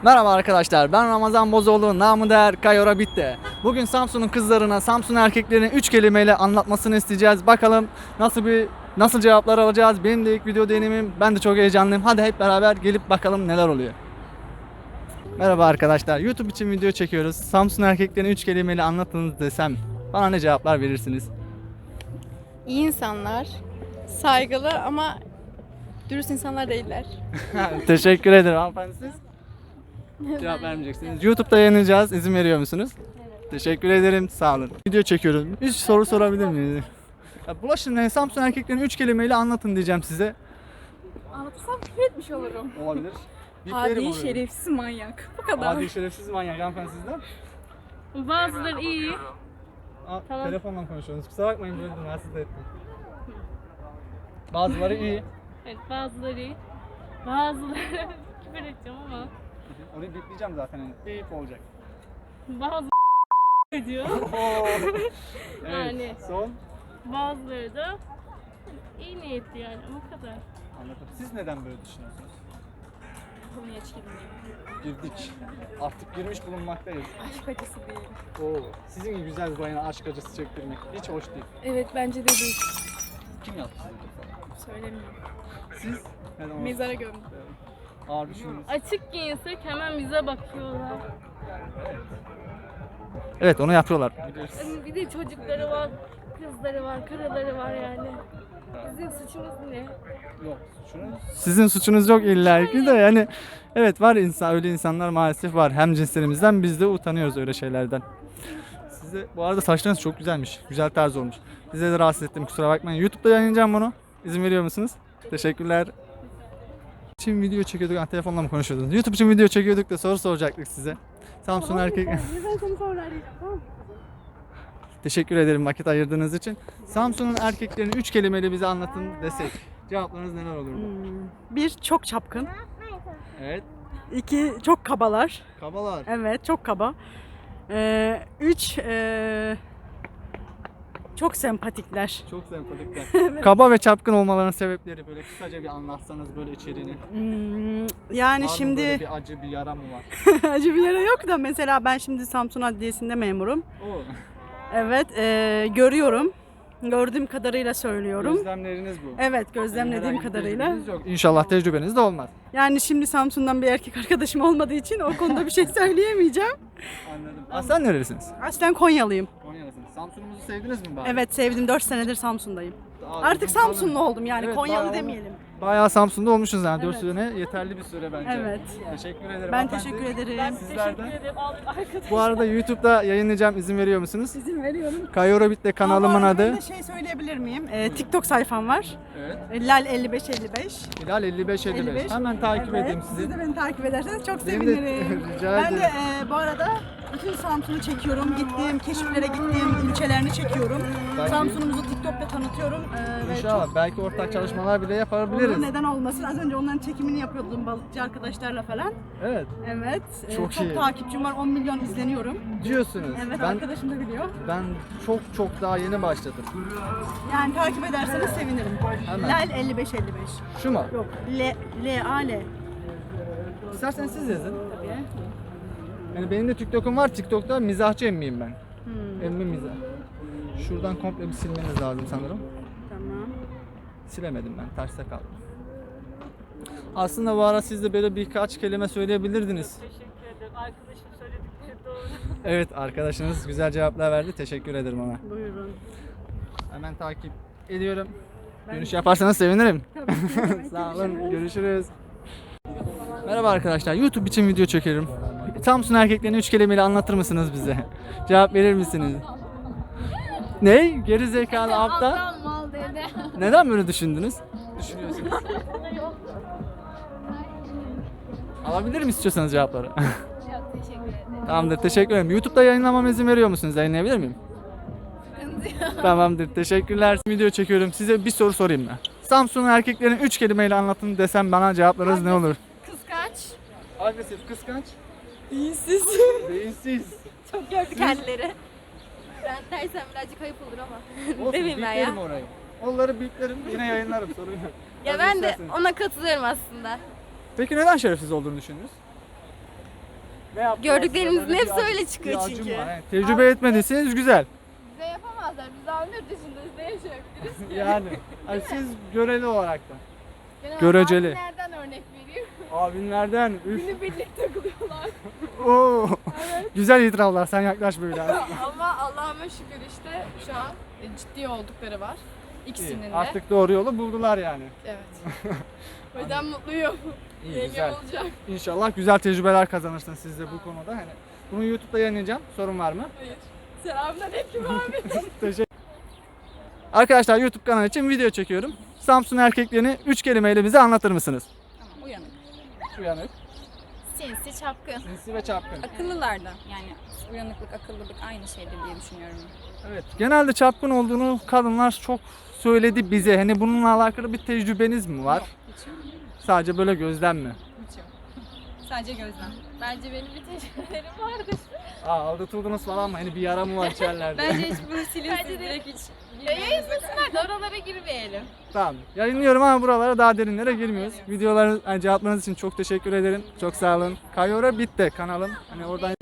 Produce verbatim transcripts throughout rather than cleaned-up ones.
Merhaba arkadaşlar, ben Ramazan Bozoğlu, namı değer Kayora Bitti. Bugün Samsun'un kızlarına, Samsun erkeklerine üç kelimeyle anlatmasını isteyeceğiz. Bakalım nasıl bir nasıl cevaplar alacağız. Benim de ilk video deneyimim, ben de çok heyecanlıyım. Hadi hep beraber gelip bakalım neler oluyor. Merhaba arkadaşlar, YouTube için video çekiyoruz. Samsun erkeklerine üç kelimeyle anlatınız desem bana ne cevaplar verirsiniz? İyi insanlar, saygılı ama dürüst insanlar değiller. Teşekkür ederim hanımefendi, siz? Cevap vermeyeceksiniz. YouTube'da yayınlayacağız. İzin veriyor musunuz? Evet. Teşekkür ederim. Sağ olun. Video çekiyorum. Üç soru sorabilir miyiz? Ya bulaşın Samsun erkeklerini üç kelimeyle anlatın diyeceğim size. Anlatırsam küfür etmiş olurum. Olabilir. Hadi şerefsiz manyak. Bu kadar. Hadi şerefsiz manyak hanımefendi sizden. Bazıları iyi. Aa, Tamam. Telefonla konuşuyorsunuz. Kusura bakmayın böyle rahatsız ettim. Bazıları iyi. Evet, bazıları iyi. Bazıları küfür edeceğim ama Onu bipleyeceğim zaten. Yani. Bip olacak. bazı ediyor. evet. Yani. Son. Bazıları da iyi niyetli yani o kadar. Anladım. Siz neden böyle düşünüyorsunuz? Konuya hiç girmeyeyim. Girdik. Artık girmiş bulunmaktayız. Aşk acısı değil. Oo, sizin gibi güzel bir bayana aşk acısı çektirmek hiç hoş değil. Evet bence de değil. Kim yaptı size? Söylemiyorum. Siz? Neden onu- Mezara gömdüm. Ağır düşündünüz. Açık giyinsek hemen bize bakıyorlar. Evet, onu yapıyorlar. Bir de çocukları var, kızları var, karıları var yani. Bizim suçumuz ne? Yok, suçunuz. Sizin suçunuz yok illa ki de yani. Evet, var insan, öyle insanlar maalesef var. Hem cinslerimizden biz de utanıyoruz öyle şeylerden. Size bu arada saçlarınız çok güzelmiş. Güzel tarz olmuş. Size de rahatsız ettim, kusura bakmayın. YouTube'da yayınlayacağım bunu. İzin veriyor musunuz? Teşekkürler. Için video çekiyorduk. Ha, telefonla mı konuşuyordunuz? YouTube için video çekiyorduk da soru soracaktık size. Samsun erkek. Ben seni sonra arayacağım. Tamam. Teşekkür ederim vakit ayırdığınız için. Samsun'un erkeklerini üç kelimeyle bize anlatın desek. Cevaplarınız neler olurdu? Bir, çok çapkın. Evet. İki, çok kabalar. Kabalar. Evet, çok kaba. Ee, üç, ee, çok sempatikler. Çok sempatikler. Kaba ve çapkın olmalarının sebepleri böyle kısaca bir anlatsanız böyle içeriğini. Hmm, Var yani mı şimdi böyle bir acı bir yara mı var? acı bir yere yok da mesela ben şimdi Samsun Adliyesi'nde memurum. Oo. Evet, ee, görüyorum. Gördüğüm kadarıyla söylüyorum. Gözlemleriniz bu. Evet, gözlemlediğim Herhangi bir kadarıyla. tecrübeniz yok. İnşallah tecrübeniz de olmaz. Yani şimdi Samsun'dan bir erkek arkadaşım olmadığı için o konuda bir şey söyleyemeyeceğim. Anladım. Aslen nerelisiniz? Aslen Konyalıyım. Konyalısınız. Samsun'umuzu sevdiniz mi bari? Evet, sevdim. dört senedir Samsun'dayım. Daha Artık uzun kalın. Samsunlu oldum yani, Evet, Konyalı bayağı- demeyelim. Bayağı Samsun'da olmuşsunuz yani dört Evet. sene yeterli bir süre bence. Evet. Teşekkür ederim. Ben hanımefendi. teşekkür ederim. Ben Sizlerden. teşekkür ederim al- arkadaş. Bu arada YouTube'da yayınlayacağım, izin veriyor musunuz? İzin veriyorum. Kayora Bit'te kanalımın Ama adı. ben de şey söyleyebilir miyim? Ee, TikTok sayfam var. Evet. Ee, Lal elli beş elli beş. Hilal elli beş elli beş. Hemen takip Evet, edeyim sizi. Siz de beni takip ederseniz çok Beni de- sevinirim. Rica Ben de ederim. e, bu arada bütün Samsun'u çekiyorum. Gittiğim, keşiflere gittiğim ilçelerini çekiyorum. Belki- Samsun'umuzu TikTok'ta tanıtıyorum. Ee, ve İnşallah çok belki ortak çalışmalar bile olur, yapabiliriz. neden olmasın. Az önce onların çekimini yapıyordum balıkçı arkadaşlarla falan. Evet. Evet. e, Çok çok iyi. takipçim var. on milyon izleniyorum. Diyorsunuz. Evet, ben arkadaşım da biliyor. ben çok çok daha yeni başladım. Yani takip ederseniz sevinirim. Hemen. Lal elli beş elli beş. Şu mu? Yok. L L A L. İsterseniz siz yazın. Tabii. Yani benim de TikTok'um var. TikTok'ta mizahçı emmiyim ben. Hmm, Emmi mizah. Şuradan komple bir silmeniz lazım sanırım. tamam. Silemedim ben. Terste kaldım. Aslında bu ara siz de böyle birkaç kelime söyleyebilirdiniz. Teşekkür ederim. Arkadaşım söyledikleri doğru. Evet, arkadaşınız güzel cevaplar verdi. Teşekkür ederim ona. Buyurun. Hemen takip ediyorum. Dönüş yaparsanız sevinirim. Tabii. Sağ olun. Görüşürüz. Merhaba arkadaşlar. YouTube için video çekiyorum. Samsun erkeklerini üç kelimeyle anlatır mısınız bize? Cevap verir misiniz? Ne? Geri zekalı aptal. mal dedi. Neden böyle düşündünüz? Düşünüyorsunuz. Alabilir mi istiyorsanız cevapları? Yok teşekkür ederim. Tamamdır. Teşekkür ederim. YouTube'da yayınlamama izin veriyor musunuz? Yayınlayabilir miyim? Tamamdır. Teşekkürler. Video çekiyorum. Size bir soru sorayım ben. Samsun'un erkeklerini üç kelimeyle anlatın desem bana cevaplarınız ne olur? Kıskaç. Agresif, kıskanç, İyisiz. beyinsiz. Çok gördü kendileri. Ben dersem birazcık ayıp olur ama. Olsun, Demeyeyim ben ya. biplerim orayı. Onları biplerim, yine yayınlarım, sorun yok. Ya Hazır ben de isterseniz. ona katılıyorum aslında. Peki neden şerefsiz olduğunu düşündünüz? Ne yaptılar? Gördüklerinizin Böyle hepsi bir öyle acı- çıkıyor bir acım çünkü. var. Yani tecrübe etmediyseniz güzel. Bize yapamazlar. Biz daha yurt dışındayız. Ne yaşayabiliriz ki? Yani hani siz göreli olarak da. Genel Göreceli. Nereden örnek vereyim? Abinlerden üf. Günü birlik takılıyorlar. Oo. Güzel itiraflar. Sen yaklaş böyle. Ama Allah'ıma şükür işte şu an e, ciddi oldukları var. İkisinin de. Artık doğru yolu buldular yani. Evet. O yüzden mutluyum. İyi, Yengem güzel. olacak. İnşallah güzel tecrübeler kazanırsınız siz de bu konuda. Hani bunu YouTube'da yayınlayacağım. Sorun var mı? Hayır. Selamünaleyküm abi. Teşekkür. Arkadaşlar YouTube kanalı için video çekiyorum. Samsun erkeklerini üç kelimeyle bize anlatır mısınız? Tamam, uyanık. Uyanık, Sinsi, çapkın. sinsi ve çapkın. Akıllılardan yani uyanıklık, akıllılık aynı şeydir diye düşünüyorum. Evet. Genelde çapkın olduğunu kadınlar çok söyledi bize. Hani bununla alakalı bir tecrübeniz mi var? Yok, hiç yok. Sadece böyle gözlem mi? Hiç yok. Sadece gözlem. Bence benim bir tecrübelerim vardır. Aa, aldatıldınız falan mı? Hani bir yara mı var içerlerde? Bence hiç bunu silin Bence siz de- direkt hiç. Ya yayınlasınlar da oralara girmeyelim. Tamam. Yayınlıyorum ama buralara daha derinlere girmiyoruz. Videoları yani cevaplarınız için çok teşekkür ederim. Çok sağ olun. Kayora bitti kanalım. Hani oradan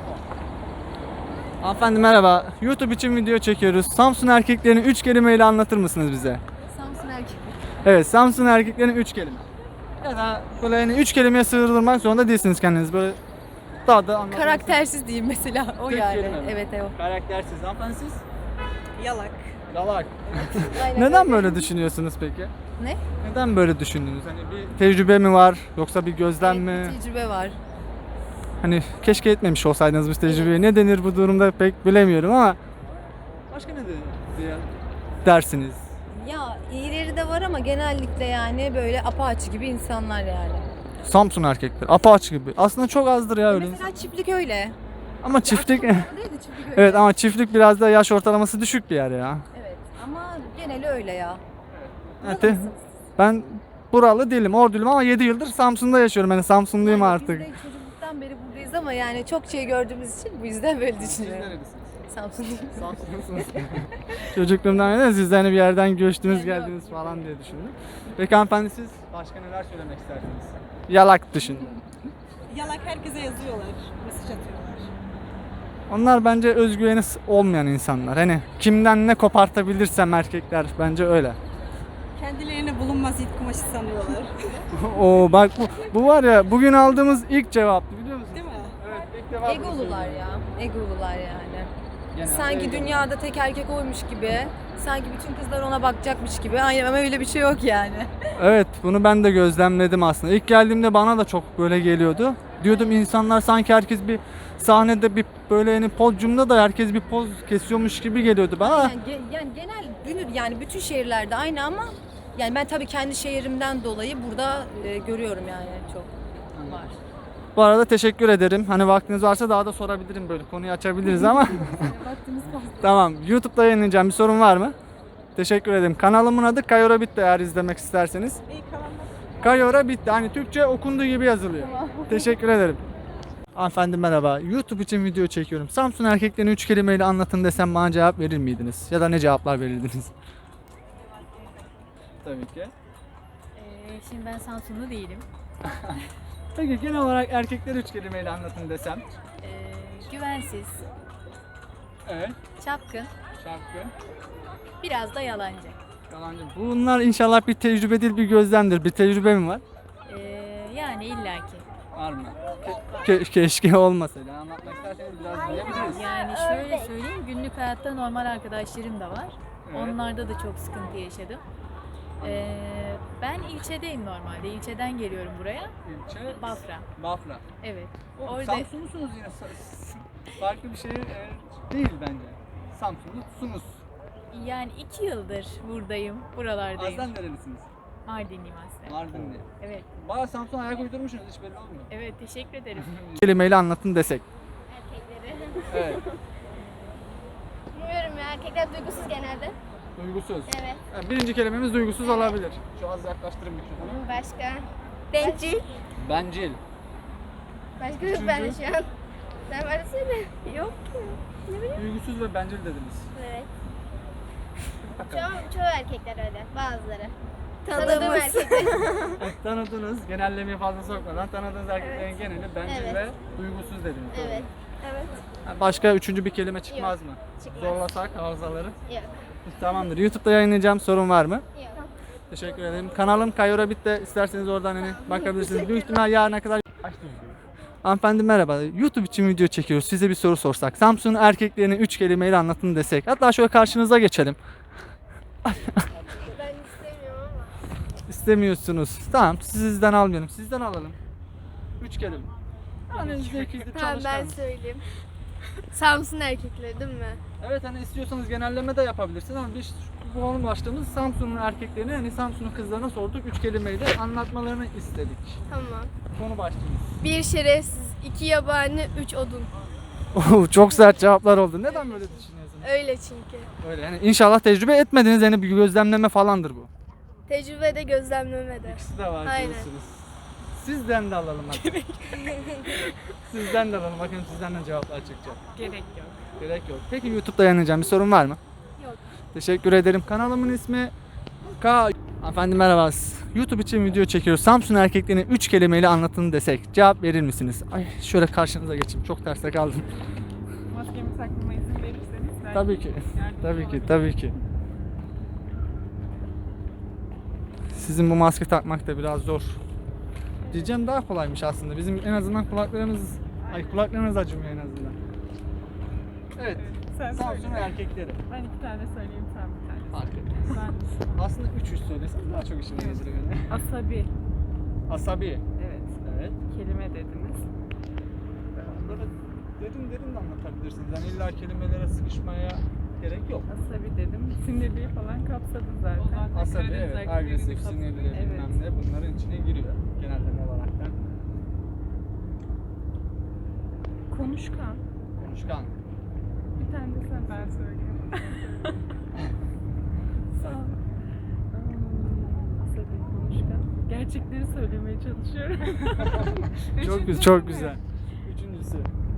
Hanımefendi merhaba. YouTube için video çekiyoruz. Samsun erkeklerini üç kelimeyle anlatır mısınız bize? Samsun erkek. Evet, Samsun erkeklerini üç kelime. Ya da böyle yani üç kelimeye sığdırmak zorunda değilsiniz kendiniz. Böyle daha da anlatmak Karaktersiz diyeyim mesela. O Tek yani. kelime mi? Evet evet. Karaktersiz. Hanımefendi siz? Yalak. Galak. Aynen Neden öyle. böyle düşünüyorsunuz peki? Ne? Neden böyle düşündünüz? Hani bir tecrübe mi var yoksa bir gözlem mi? Evet, bir tecrübe var. Hani keşke etmemiş olsaydınız bu tecrübeyi. Ne denir bu durumda pek bilemiyorum ama başka ne denir diye dersiniz. Ya iyileri de var ama genellikle yani böyle apaçı gibi insanlar yani. Samsun erkekleri apaç gibi. Aslında çok azdır ya öyle. Mesela çiftlik öyle. Ama çiftlik Değil de çiftlik öyle. evet ama çiftlik biraz da yaş ortalaması düşük bir yer ya. Evet ama geneli öyle ya. Evet, te- ben buralı değilim, Orduluyum ama yedi yıldır Samsun'da yaşıyorum. Yani Samsunluyum Yani artık. Biz de çocukluktan beri buradayız ama yani çok şey gördüğümüz için bu yüzden böyle düşünüyorum. Samsunluyum. Samsunlusunuz. Çocukluğumdan beri siz de hani bir yerden göçtünüz geldiniz falan diye düşündüm. Peki hanımefendi siz başka neler söylemek istersiniz? Yalak dışında. Yalak herkese yazıyorlar. Mesaj atıyorlar. Onlar bence özgüveni olmayan insanlar. Hani kimden ne kopartabilirsem erkekler bence öyle. Kendilerini bulunmaz it kumaşı sanıyorlar. Oo bak bu, bu var ya bugün aldığımız ilk cevaptı biliyor musun? Değil mi? Evet ilk defa bunu Egolular söylüyorum. ya. Egolular yani. Genelde Sanki egolu. dünyada tek erkek oymuş gibi. Sanki bütün kızlar ona bakacakmış gibi. Aynen ama öyle bir şey yok yani. Evet bunu ben de gözlemledim aslında. İlk geldiğimde bana da çok böyle geliyordu. Diyordum insanlar sanki herkes bir sahnede bir böyle yani podyumda da herkes bir poz kesiyormuş gibi geliyordu bana. Yani, ge- yani genel günü yani bütün şehirlerde aynı ama yani ben tabii kendi şehrimden dolayı burada e, görüyorum yani çok var. Bu arada teşekkür ederim. Hani vaktiniz varsa daha da sorabilirim böyle konuyu açabiliriz ama. Tamam. YouTube'da yayınlayacağım. Bir sorun var mı? Teşekkür ederim. Kanalımın adı Kayora Bitti eğer izlemek isterseniz. İyi kalanlar. Kayora Bitti. Hani Türkçe okunduğu gibi yazılıyor. Teşekkür ederim. Hanımefendi merhaba. YouTube için video çekiyorum. Samsun erkeklerini üç kelimeyle anlatın desem bana cevap verir miydiniz? Ya da ne cevaplar verirdiniz? Tabii ki. Ee, şimdi ben Samsunlu değilim. Peki genel olarak erkekleri üç kelimeyle anlatın desem. Ee, güvensiz, Evet. çapkın, Şarkı. biraz da yalancı. Yalancı. Bunlar inşallah bir tecrübe değil bir gözlemdir. Bir tecrübe mi var? Ee, yani illaki. Var mı? Ke- keşke olmasaydı. Anlatmak isterseniz biraz diyebiliriz. Yani şöyle söyleyeyim, günlük hayatta normal arkadaşlarım da var. Evet. Onlarda da çok sıkıntı yaşadım. Ee, ben ilçedeyim normalde. İlçeden geliyorum buraya. İlçe Bafra. Bafra. Evet. O, Orada Samsunlusunuz yine. Sa- Farklı bir şehir e, değil bence. Samsunlusunuz. yani iki yıldır buradayım. Buralardayım. Aslen nerelisiniz? Mardinliyim aslında. Mardinli. Evet. Bayağı Samsun'a ayak uydurmuşsunuz hiç belli olmuyor. Evet, teşekkür ederim. Kelimeyle anlatın desek. Erkekleri. Evet. Bilmiyorum ya erkekler duygusuz genelde. Duygusuz. Evet. Yani birinci kelimemiz duygusuz olabilir. Şu az yaklaştırın mikrofonu. Başka? Bencil. Bencil. Başka yok bende şu an. Sen varsana. Yok ki. Duygusuz ve bencil dediniz. Evet. Çoğu, çoğu erkekler öyle. Bazıları. Tanıdığım erkekler. Evet, tanıdığınız, genellemeyi fazla sokmadan tanıdığınız erkeklerin geneli bencil Evet. ve duygusuz dediniz. doğru mu? Evet. Evet. Ha, Başka üçüncü bir kelime çıkmaz mı? Çıkmaz. Zorlasak hafızaları. Yok. Tamamdır. YouTube'da yayınlayacağım, sorun var mı? Yok. Teşekkür ederim. Kanalım Kayora Bit'te, isterseniz oradan hani bakabilirsiniz. Büyük ihtimal yarına kadar açtım. Hanımefendi merhaba. YouTube için video çekiyoruz. Size bir soru sorsak. Samsun'un erkeklerini üç kelimeyle anlatın desek. Hatta şöyle karşınıza geçelim. Ben istemiyorum ama. İstemiyorsunuz. Tamam, sizden almayalım. Sizden alalım. Üç kelime. Yani zekiydi, Tamam ben çalışkan. söyleyeyim. Samsun erkekleri değil mi? Evet, hani istiyorsanız genelleme de yapabilirsiniz ama biz bu konu başlığımız Samsun'un erkeklerini, hani Samsun'un kızlarına sorduk. Üç kelimeyle anlatmalarını istedik. Tamam. Konu başlığımız. Bir şerefsiz, iki yabani, üç odun. Oo, çok sert cevaplar oldu. Neden böyle düşünüyorsunuz? Öyle çünkü. Öyle yani inşallah tecrübe etmediniz, yani bir gözlemleme falandır bu. Tecrübede gözlemlemede. İkisi de var Aynen. diyorsunuz. Sizden de alalım hadi. Sizden de alalım, bakın sizden de cevaplar çıkacak. Gerek yok. Gerek yok. Peki YouTube'da yayınlayacağım bir sorun var mı? Yok. Teşekkür ederim. Kanalımın ismi K. Hanımefendi merhaba. YouTube için video çekiyoruz. Samsun erkeklerini üç kelimeyle anlatın desek cevap verir misiniz? Ay şöyle karşınıza geçeyim. Çok terste kaldım. Maskemi takmama izin verirseniz belki Tabii ki. yardımcı Tabii ki. olabilirim. Tabii ki. Sizin bu maske takmak da biraz zor. Diyeceğim daha kolaymış aslında. Bizim en azından kulaklarımız ay kulaklarımız acımıyor en azından. Evet. Sen Samsun söyle. erkekleri. Ben iki tane söyleyeyim, sen bir tane. Fark etmez. Ben Aslında üç üç söylesem daha çok işime gelir yani. asabi. Asabi. Evet. Evet. Kelime dediniz. Onları derin derin de anlatabilirsiniz. Yani illa kelimelere sıkışmaya gerek yok. Asabi dedim. Sinirliği falan kapsadı zaten. Asabi Karadeniz evet, erkekleri agresif, kapsadı. sinirli bilmem Evet. ne bunların içine giriyor genelleme olarak da. Konuşkan. Konuşkan. Bir tane de sen ben söyleyeyim. Sağ ol. Hmm, Asabi, konuşkan. Gerçekleri söylemeye çalışıyorum. Çok güzel, çok güzel. Üçüncüsü.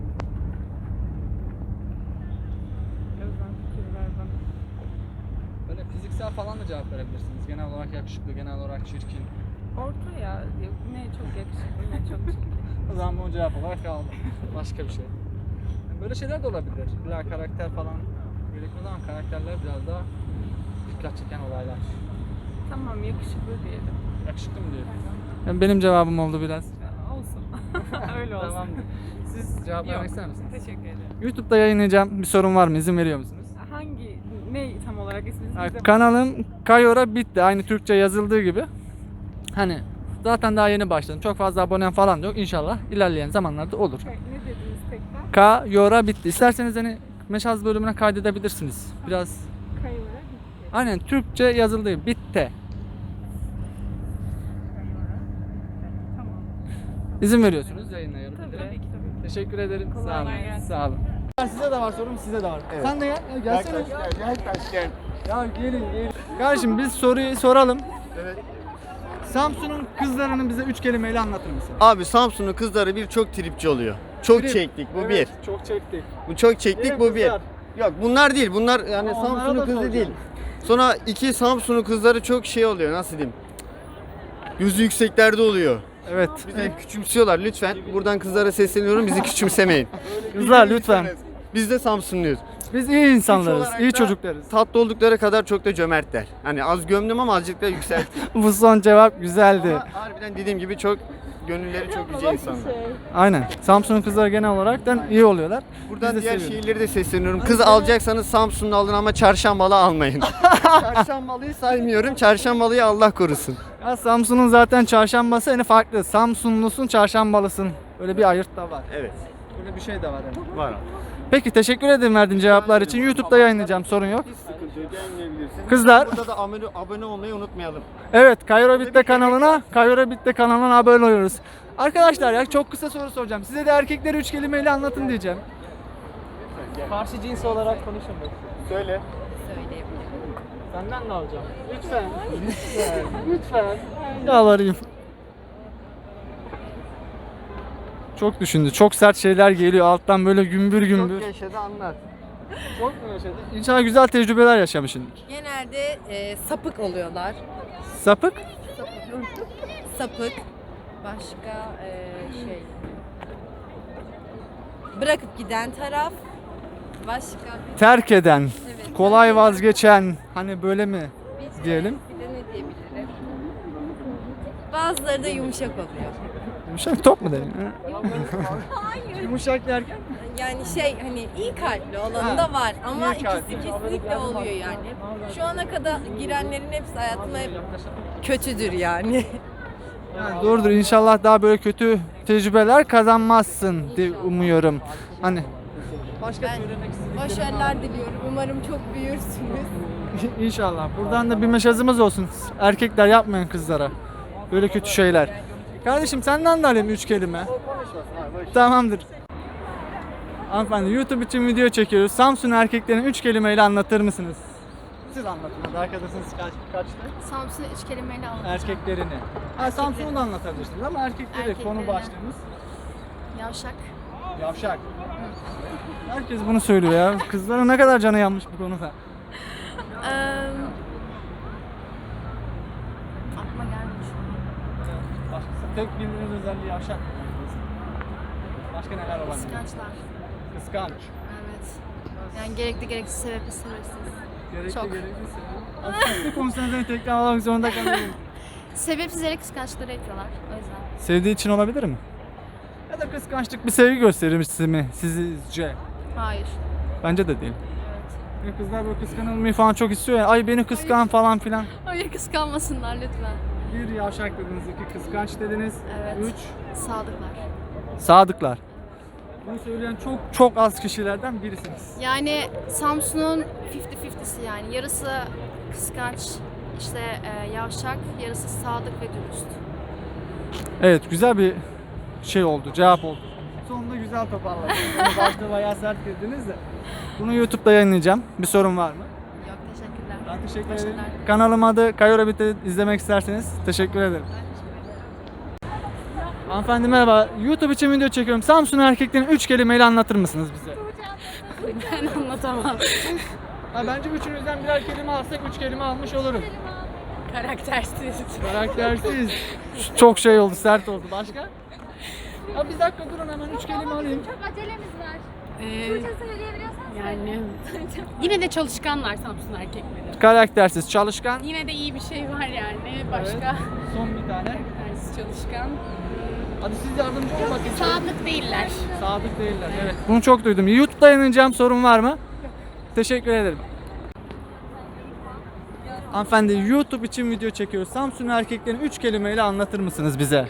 Özlem fikir ver bana. Böyle fiziksel falan da cevap verebilirsiniz. Genel olarak yakışıklı, genel olarak çirkin. Orta ya. Ne çok yakışıklı ne çok çirkin. O zaman bu cevap olarak kaldı. Başka bir şey. Yani böyle şeyler de olabilir. İlla karakter falan gerekmez ama karakterler biraz daha dikkat çeken olaylar. Tamam, yakışıklı diyelim. Yakışıklı mı diyelim? Yani benim cevabım oldu biraz. Olsun. Öyle olsun. Tamamdır. Siz cevap Yok. vermek ister misiniz? Teşekkür ederim. YouTube'da yayınlayacağım. Bir sorun var mı? İzin veriyor musunuz? Hangi, ne tam olarak isminiz? Yani Bize- kanalım Kayora Bitti. Aynı Türkçe yazıldığı gibi. Hani zaten daha yeni başladım. Çok fazla abonem falan da yok. İnşallah ilerleyen zamanlarda olur. Ne dediniz tekrar? Kayora Bitti. İsterseniz hani meşaz bölümüne kaydedebilirsiniz. Biraz Kayıvara gitti. aynen Türkçe yazıldığı Bitti. Kayıvara. Tamam. İzin veriyorsunuz yayınlayalım. Tabii, tabii ki tabii. Teşekkür ederim. Kolay Sağ olun. gelsin. Sağ olun. Size de var sorum, size de var. Sen de gel. Gel, gelsene. Gel taş gel. Ya gelin gelin. Kardeşim biz soruyu soralım. Evet. Samsun'un kızlarını bize üç kelimeyle anlatır mısın? Abi Samsun'un kızları bir çok tripçi oluyor. Çok Trip. çektik bu Evet, bir. çok çektik. Bu çok çektik Diğer bu bir. kızlar. Yok bunlar değil. Bunlar yani Ama onlara Samsun'un da kızı soracağım. değil. Sonra iki Samsun'un kızları çok şey oluyor. Nasıl diyeyim? Gözü yükseklerde oluyor. Evet. Bizi hep küçümsüyorlar lütfen. Buradan kızlara sesleniyorum. Bizi küçümsemeyin. Kızlar lütfen. Biz de Samsunluyuz. Biz iyi insanlarız, olarak iyi da- çocuklarız. Tatlı oldukları kadar çok da cömertler. Hani az gömdüm ama azıcık da yükselttim. Bu son cevap güzeldi. Ama harbiden dediğim gibi çok gönülleri çok yüce insanlar. Aynen. Samsun'un kızları genel olarak da iyi oluyorlar. Buradan Biz de diğer seviyoruz. şehirleri de sesleniyorum. Kız alacaksanız Samsun'da alın ama çarşambalı almayın. Çarşambalıyı saymıyorum. Çarşambalıyı Allah korusun. Ya Samsun'un zaten çarşambası en farklı. Samsunlusun, çarşambalısın. Öyle bir ayırt da var. Evet. Öyle bir şey de var yani. Var. Peki teşekkür ederim verdiğin cevaplar için. YouTube'da yayınlayacağım, sorun yok. Hiç sıkıntı yok. Yayınlayabilirsin. Kızlar. Burada da abone, abone olmayı unutmayalım. Evet, Kayora Bitti kanalına, Kayora Bitti kanalına abone oluyoruz. Arkadaşlar ya çok kısa soru soracağım. Size de erkekleri üç kelimeyle anlatın diyeceğim. Karşı cins olarak konuşamak. Söyle. Senden de alacağım. Lütfen. Lütfen. Lütfen. Yalvarayım. Çok düşündü. Çok sert şeyler geliyor alttan böyle gümbür gümbür. Çok yaşadı anlat. Çok mu yaşadın? İnşallah güzel tecrübeler yaşamışsındır. Genelde e, sapık oluyorlar. Sapık? Sapık. Başka eee, şey. Bırakıp giden taraf. Başka Terk eden, evet. kolay vazgeçen, hani böyle mi diyelim? Bir de ne diyebilirim? Bazıları da yumuşak oluyor. Yumuşak top mu diyelim? Hayır. Yumuşak derken? Yani şey hani iyi kalpli olanı da var ama iyi kalpli. ikisi kesinlikle oluyor yani. Şu ana kadar girenlerin hepsi hayatıma hep kötüdür yani. Yani doğrudur. İnşallah daha böyle kötü tecrübeler kazanmazsın diye umuyorum. Hani başka Ben söylemek istediğim başarılar diliyorum. Umarım çok büyürsünüz. İnşallah. Buradan da bir mesajımız olsun. Erkekler yapmayın kızlara. Böyle kötü şeyler. Kardeşim senden de alayım üç kelime. Tamamdır. Hanımefendi YouTube için video çekiyoruz. Samsun erkeklerini üç kelimeyle anlatır mısınız? Siz anlatın. Hadi arkadaşınız kaç, kaçtı? Samsun'u üç kelimeyle anlatacağım. Erkeklerini. Ha, Samsun'u da anlatabilirsiniz ama erkekleri Erkeklerini. konu başlığımız. Yavşak. Yavşak. Herkes bunu söylüyor ya. Kızların ne kadar canı yanmış bu konuda. Eee aklıma gelmiş. Başkası tek bildiğiniz özelliği yavşak. Başka neler olabilir? Kıskançlar. Kıskanç. Evet. Yani gerekli gereksiz sebepli sebepsiz. Gerekli Çok. gerekliyse. Aslında bir konuşmanızdan tekrar almak zorunda kalıyorum. Sebepsiz yere kıskançlıkları yapıyorlar. O yüzden. Sevdiği için olabilir mi? Ya da kıskançlık bir sevgi gösterisi mi sizce? Hayır. Bence de değil. Evet. Ya kızlar böyle kıskanılmayı falan çok istiyor ya. Ay beni kıskan falan filan. Hayır kıskanmasınlar lütfen. Bir yavşak dediniz, iki kıskanç dediniz. Evet. Üç Sadıklar. sadıklar. Bunu söyleyen çok çok az kişilerden birisiniz. Yani Samsun'un fifty fifty'si yani. Yarısı kıskanç, işte e, yavşak, yarısı sadık ve dürüst. Evet, güzel bir şey oldu, cevap oldu. Sonunda güzel toparladınız. Yani başta bayağı sert girdiniz de. Bunu YouTube'da yayınlayacağım. Bir sorun var mı? Yok teşekkürler. Ben teşekkür ederim. Başarılar. Kanalım adı Kayora Bit'i izlemek isterseniz teşekkür ederim. Hanımefendi merhaba. YouTube için video çekiyorum. Samsun erkeklerini üç kelimeyle anlatır mısınız bize? Ben anlatamam. Ha, bence üçünüzden birer kelime alsak üç kelime almış olurum. Karaktersiz. Karaktersiz. Çok şey oldu, sert oldu. Başka? Ha, bir dakika durun hemen üç kelime alayım. Çok acelemiz var. Ee, Türkçe söyleyebiliyorsan yani yine de çalışkanlar Samsun erkekleri. Karaktersiz, çalışkan. Yine de iyi bir şey var yani. Başka Evet. Son bir tane. karaktersiz çalışkan. Hadi siz yardımcı olun bakayım. Sadık değiller. Sadık değiller. Evet. Bunu çok duydum. YouTube'da yayınlayacağım, sorun var mı? Teşekkür ederim. Hanımefendi YouTube için video çekiyoruz. Samsun erkeklerini üç kelimeyle anlatır mısınız bize?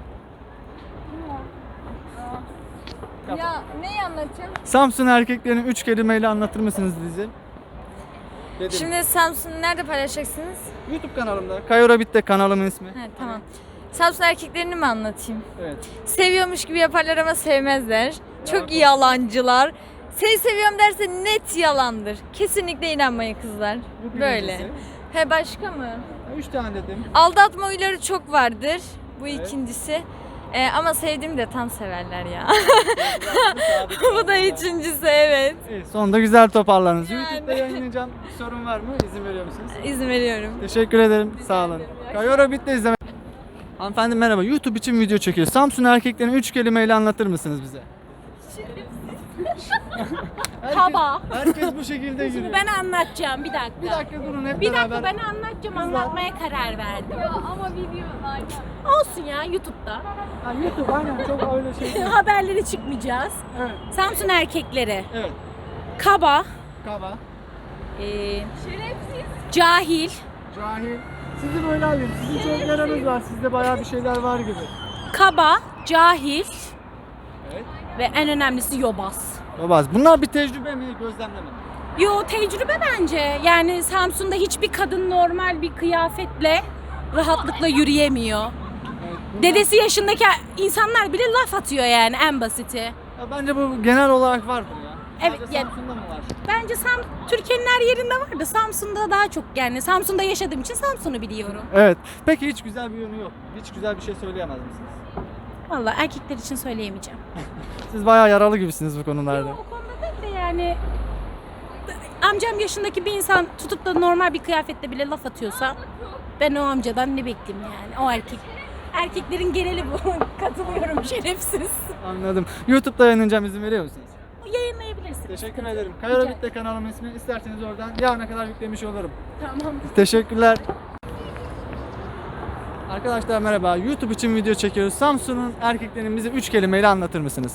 Ya neyi anlatacağım? Samsun erkeklerini üç kelimeyle anlatır mısınız bize? Dedim. Şimdi Samsun'u nerede paylaşacaksınız? YouTube kanalımda. Kayora Bit'te kanalımın ismi. He, tamam. Samsun erkeklerini mi anlatayım? Evet. Seviyormuş gibi yaparlar ama sevmezler. Çok yalancılar. Seni seviyorum derse net yalandır. Kesinlikle inanmayın kızlar. Bu Böyle. birincisi. He başka mı? Ha, Üç tane dedim. Aldatma huyları çok vardır. Bu Evet. ikincisi. Ee, ama sevdiğimi de tam severler ya. Bu da üçüncüsü evet. İyi, sonunda güzel toparladınız. YouTube'da yayınlayacağım. Bir sorun var mı? İzin veriyor musunuz? İzin veriyorum. Teşekkür ederim. Sağ olun. Kayora Bit'te izleme. Hanımefendi merhaba. YouTube için video çekiyoruz. Samsun erkeklerini üç kelimeyle anlatır mısınız bize? herkes, Kaba. Herkes bu şekilde giriyor. Ben anlatacağım bir dakika. Bir dakika durun hep Bir beraber. dakika ben anlatacağım, anlatmaya karar verdim. Ama video Olsun ya YouTube'da. Ha, YouTube aynen çok öyle şey değil. Haberleri çıkmayacağız. Evet. Samsun erkekleri. Evet. Kaba, Kaba. e, cahil, Cahil. Sizi böyle alayım. Sizin çok yaranız var. Sizde bayağı bir şeyler var gibi. kaba, cahil Evet. ve en önemlisi yobaz. Babaz. Bunlar bir tecrübe mi? Gözlemleme mi? Yo tecrübe bence. Yani Samsun'da hiçbir kadın normal bir kıyafetle rahatlıkla yürüyemiyor. Evet. bunlar- Dedesi yaşındaki insanlar bile laf atıyor yani en basiti. Ya bence bu genel olarak vardır ya. Evet, Sadece ya- Samsun'da mı var? Bence Sam Türkiye'nin her yerinde var da Samsun'da daha çok yani. Samsun'da yaşadığım için Samsun'u biliyorum. Evet. Peki hiç güzel bir yönü yok. Hiç güzel bir şey söyleyemez misiniz? Vallahi erkekler için söyleyemeyeceğim. Siz bayağı yaralı gibisiniz bu konularda. O konuda değil de yani amcam yaşındaki bir insan tutup da normal bir kıyafetle bile laf atıyorsa Ben o amcadan ne bekleyeyim yani? O erkek. Erkeklerin geneli bu. Katılıyorum, şerefsiz. Anladım. YouTube'da yayınlanacağım, izin veriyor musunuz? Yayınlayabilirsin. Teşekkür ederim. Kayora Bitti kanalımın ismi. İsterseniz oradan yarına kadar yüklemiş olurum. Tamam. Teşekkürler. Arkadaşlar merhaba. YouTube için video çekiyoruz. Samsun'un erkeklerini bize üç kelimeyle anlatır mısınız?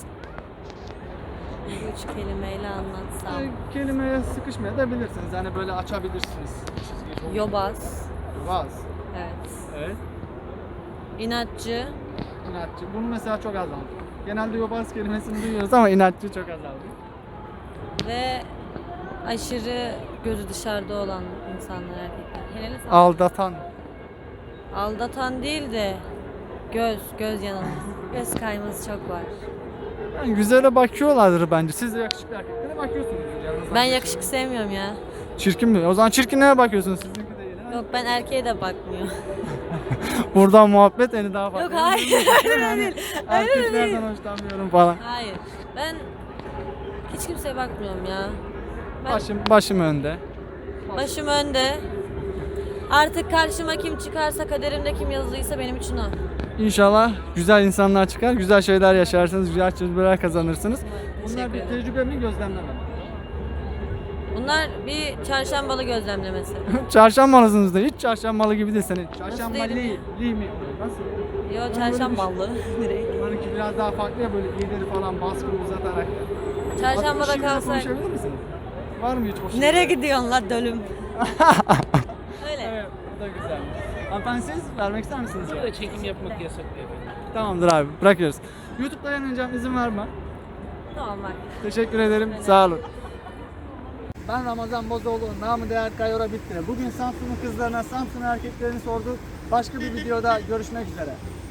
Üç kelimeyle anlatsam. Yani kelimeye sıkışmayabilirsiniz. Yani böyle açabilirsiniz. Yobaz. Vaz. Evet. Evet. İnatçı. İnatçı. Bunu mesela çok azaldı. Genelde yobaz kelimesini duyuyoruz ama inatçı çok azaldı. Ve aşırı gözü dışarıda olan insanlar, erkekler. Helal olsun. Aldatan. Aldatan değil de göz, göz yanılması. Göz kayması çok var. Yani güzele bakıyorlardır bence. Siz de yakışıklı erkeklere bakıyorsunuz. Ben yakışık sevmiyorum ya. Çirkin mi? O zaman çirkinlere bakıyorsunuz. Sizinki de değil. ha? Yok, ben erkeğe de bakmıyorum. Buradan muhabbet eni daha farklı. Yok, hayır, öyle değil. Öyle Erkeklerden hoşlanmıyorum falan. Hayır. Ben hiç kimseye bakmıyorum ya. Ben Başım, başım önde. başım önde. Artık karşıma kim çıkarsa, kaderimde kim yazılıysa benim için o. İnşallah güzel insanlar çıkar, güzel şeyler yaşarsınız, güzel tecrübeler kazanırsınız. Bunlar Teşekkür bir ederim. tecrübe mi, gözlemleme mi? Bunlar bir çarşambalı gözlemlemesi. Çarşambalısınız da hiç çarşambalı gibi değil senin. Çarşambalı değilim değil, değil mi? Nasıl? Yo, çarşambalı direkt. Bunlarınki biraz daha farklı ya, böyle iğneleri falan baskı uzatarak. Çarşambada Şimdi kalsak. konuşabilir misiniz? Var mı hiç hoşuna? Nereye gidiyorsun la dölüm? Öyle. Evet, bu da güzel. Hanımefendi siz vermek ister misiniz? Ya? Çekim yapmak yasak. Tamamdır abi, bırakıyoruz. YouTube'da yayınlanacağım, izin var mı? Tamam bak. Teşekkür ederim, sağ olun. Ben Ramazan Bozoğlu, namı değer Kayora Bitti. Bugün Samsun'un kızlarına, Samsun erkeklerini sorduk. Başka bir videoda görüşmek üzere.